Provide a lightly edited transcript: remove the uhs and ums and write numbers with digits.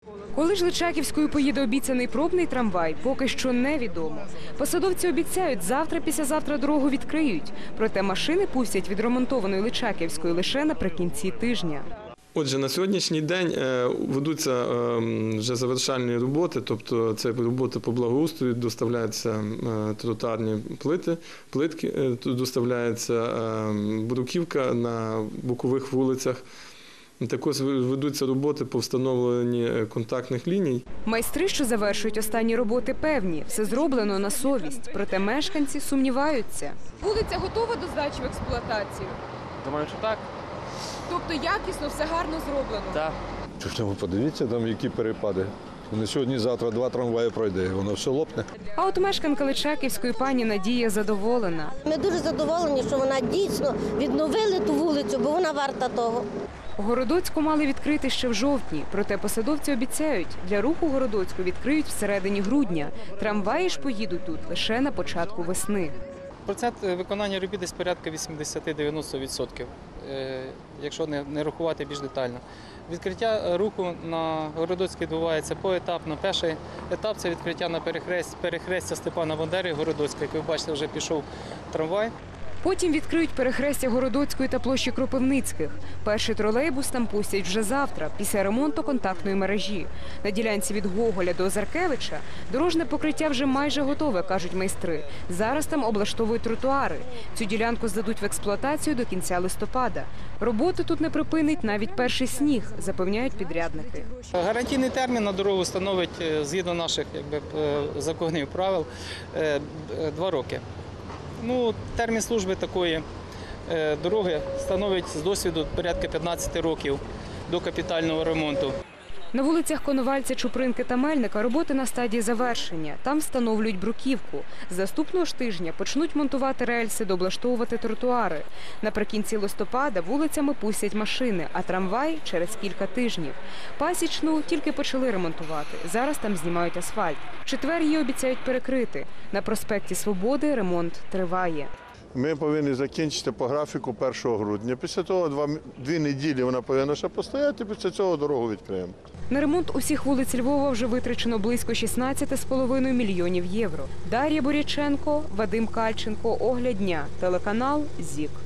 Коли ж Личаківською поїде обіцяний пробний трамвай, поки що невідомо. Посадовці обіцяють, завтра-післязавтра дорогу відкриють. Проте машини пустять відремонтованої Личаківської лише наприкінці тижня. Отже, на сьогоднішній день ведуться вже завершальні роботи, тобто це роботи по благоустрою, доставляються тротуарні плитки, доставляється бруківка на бокових вулицях. Також ведуться роботи по встановленні контактних ліній. Майстри, що завершують останні роботи, певні, все зроблено на совість. Проте мешканці сумніваються. Вулиця готова до здачі в експлуатацію? Думаю, що так. Тобто якісно, все гарно зроблено? Так. Ви подивіться, там які перепади. Не сьогодні-завтра 2 трамваї пройде, воно все лопне. А от мешканка Личаківської пані Надія задоволена. Ми дуже задоволені, що вона дійсно відновили ту вулицю, бо вона варта того. Городоцьку мали відкрити ще в жовтні, проте посадовці обіцяють, для руху Городоцьку відкриють всередині грудня. Трамваї ж поїдуть тут лише на початку весни. Процент виконання робіт десь порядка 80-90%, якщо не рахувати більш детально. Відкриття руху на Городоцькій відбувається поетапно. Перший етап – це відкриття на перехрестя Степана Бандери, Городоцька, як ви бачите, вже пішов трамвай. Потім відкриють перехрестя Городоцької та площі Кропивницьких. Перший тролейбус там пустять вже завтра, після ремонту контактної мережі. На ділянці від Гоголя до Озаркевича дорожне покриття вже майже готове, кажуть майстри. Зараз там облаштовують тротуари. Цю ділянку здадуть в експлуатацію до кінця листопада. Роботи тут не припинить навіть перший сніг, запевняють підрядники. Гарантійний термін на дорогу становить, згідно наших законів правил, 2 роки. Термін служби такої дороги становить з досвіду порядка 15 років до капітального ремонту. На вулицях Коновальця, Чупринки та Мельника роботи на стадії завершення. Там встановлюють бруківку. З наступного ж тижня почнуть монтувати рельси, дооблаштовувати тротуари. Наприкінці листопада вулицями пустять машини, а трамвай – через кілька тижнів. Пасічну тільки почали ремонтувати. Зараз там знімають асфальт. В четвер її обіцяють перекрити. На проспекті Свободи ремонт триває. Ми повинні закінчити по графіку 1 грудня. Після того 2 неділі вона повинна ще постояти, після цього дорогу відкриємо. На ремонт усіх вулиць Львова вже витрачено близько 16,5 мільйонів євро. Дар'я Боряченко, Вадим Кальченко, Огляд дня, телеканал ЗІК.